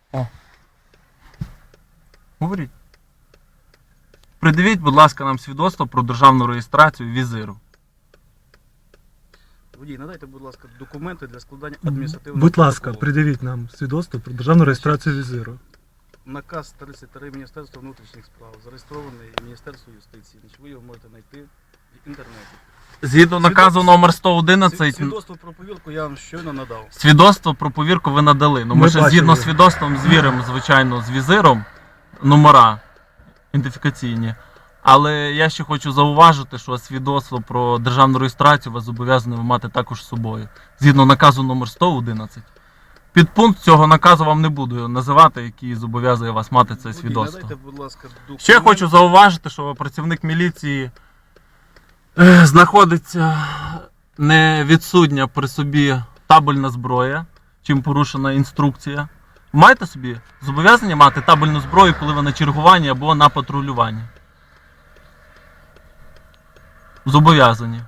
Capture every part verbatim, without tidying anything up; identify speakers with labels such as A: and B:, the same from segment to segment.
A: О. Говоріть. Придивіть, будь ласка, нам свідоцтво про державну реєстрацію візиру.
B: Водій, надайте, будь ласка, документи для складання адміністративного
C: Будь ласка,
B: протоколу.
C: придивіть нам свідоцтво про державну реєстрацію візиру.
B: Наказ тридцять три Міністерства внутрішніх справ, зареєстрований Міністерством юстиції. Значить, ви його можете знайти в інтернеті.
A: Згідно наказу номер сто одинадцять,
B: Свідоцтво про повірку я вам щойно надав.
A: свідоцтво про повірку ви надали. Ну, ми,
C: Ми
A: ще
C: бачили.
A: згідно з свідоцтвом звіримо, звичайно, з візиром номера ідентифікаційні. Але я ще хочу зауважити, що свідоцтво про державну реєстрацію вас зобов'язані ви мати також з собою. Згідно наказу номер сто одинадцять. Підпункт цього наказу вам не буду називати, який зобов'язує вас мати це
B: Водій,
A: свідоцтво.
B: надайте, будь ласка, документи.
A: Ще хочу зауважити, що працівник міліції е, знаходиться не відсутня при собі табельна зброя, чим порушена інструкція. Маєте собі зобов'язання мати табельну зброю, коли ви на чергуванні або на патрулюванні? Зобов'язані.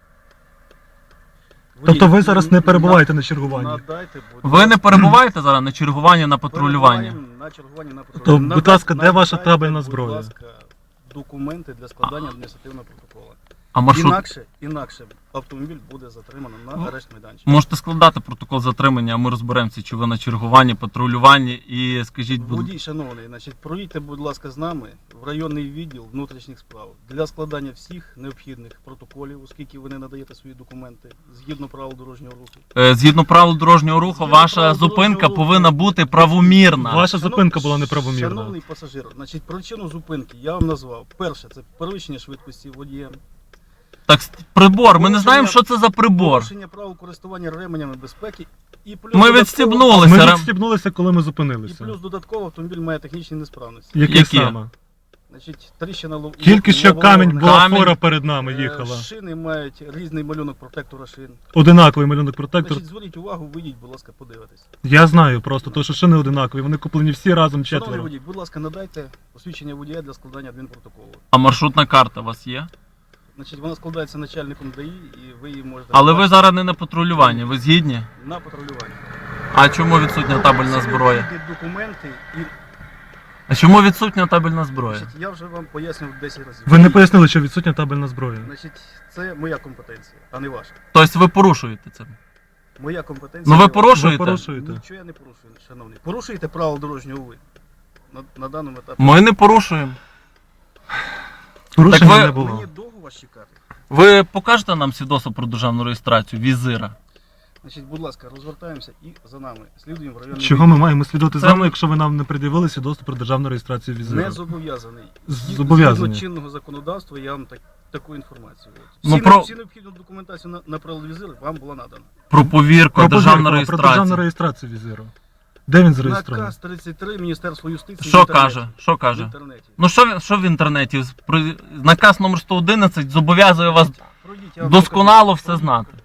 B: Водій,
C: Тобто ви зараз не
B: на-
C: перебуваєте на чергуванні?
B: Надайте, будь
A: Ви не
B: ласка,
A: перебуваєте зараз на чергуванні, на патрулюванні?
B: перебуваємо на чергуванні на
C: То,
B: патрулюванні.
C: будь ласка, де
B: Надайте,
C: ваша табельна зброя?
B: Будь ласка, документи для складання адміністративного протоколу.
A: А маршрут?
B: Інакше, інакше автомобіль буде затримано на арешт майданчик.
A: Можете складати протокол затримання, а ми розберемося, чи ви на чергуванні, патрулюванні. І скажіть, будь
B: Водій, шановний, значить, проїдьте, будь ласка, з нами в районний відділ внутрішніх справ для складання всіх необхідних протоколів, оскільки ви не надаєте свої документи згідно правил дорожнього руху.
A: Е, згідно правил дорожнього руху,
B: Згідно
A: ваша
B: правил
A: зупинка
B: дорожнього руху.
A: повинна бути правомірна.
C: Ваша
B: Шанов-
C: зупинка була неправомірна.
B: Шановний пасажир, значить, причину зупинки я вам назвав. Перше, це перевищення швидкості водієм.
A: Так, с- прибор, ми не
B: Порушення-
A: знаємо, що це за прибор.
B: Порушення правил користування ременями безпеки і плюс
A: Ми
B: додатково-
A: відстібнулися.
C: Ми
A: рем-
C: відстібнулися, коли ми
B: І
C: зупинилися.
B: плюс додатково автомобіль має технічні несправності.
C: Які,
A: Які?
C: саме?
B: Значить, тріщина лов...
C: Тільки що
B: лобового
C: камінь
B: вогнища.
C: була
A: Камінь.
C: фора перед нами
B: Е,
C: їхала.
B: Шини мають різний малюнок протектора шин.
C: Одинаковий малюнок протектор.
B: Значить, зверніть увагу, вийдіть, будь ласка, подивитись.
C: Я знаю просто, то що шини одинакові, вони куплені всі разом
B: Шановний
C: четверо.
B: водій, будь ласка, надайте посвідчення водія для складання адмінпротоколу.
A: А маршрутна карта у вас є?
B: Значить, вона складається начальником ДАІ і ви її можете...
A: Але ви
B: побачити
A: зараз не на патрулюванні, ви згідні?
B: на патрулюванні.
A: А чому відсутня табельна
B: Всі
A: зброя?
B: необхідні документи і...
A: А чому відсутня табельна зброя?
B: Значить, я вже вам пояснив десять разів.
C: Ви не пояснили, що відсутня табельна зброя.
B: Значить, це моя компетенція, а не ваша.
A: Тобто ви порушуєте це?
B: Моя компетенція.
A: Ну ви
B: не ваша.
C: Ви
A: порушуєте?
C: порушуєте.
B: Нічого я не порушую, шановний. Порушуєте правила дорожнього ви. На, на даному етапі.
A: Ми не порушуємо.
C: Порушення
A: Так ви-
C: не було.
B: Мені довго вас чекати.
A: Ви покажете нам свідоцтво про державну реєстрацію візира?
B: Значить, будь ласка, розвертаємося і за нами. Слідуємо в районний
C: Чого ми маємо слідувати
A: Це-
C: за вами, якщо ви нам не пред'явили свідоцтво про державну реєстрацію
B: відділ.
C: візиту?
B: Не зобов'язаний.
C: Зобов'язаний.
B: Згідно чинного законодавства я вам так, таку інформацію. От.
A: Ну,
B: Всі,
A: про-
B: всі необхідну документацію на, на прилад візир вам була надана.
A: Про повірку,
C: Про
A: державну
C: повірку, про державну
A: реєстрацію.
C: реєстрацію візиру. Де він зареєстрований?
B: Наказ тридцять три Міністерства юстиції.
A: Що
B: в інтернеті.
A: каже? Що
B: В
A: каже?
B: інтернеті.
A: Ну що, ви- що в інтернеті? При- Наказ номер сто одинадцять зобов'язує вас
B: Пройдіть, я вам
A: досконало
B: покажу.
A: все знати.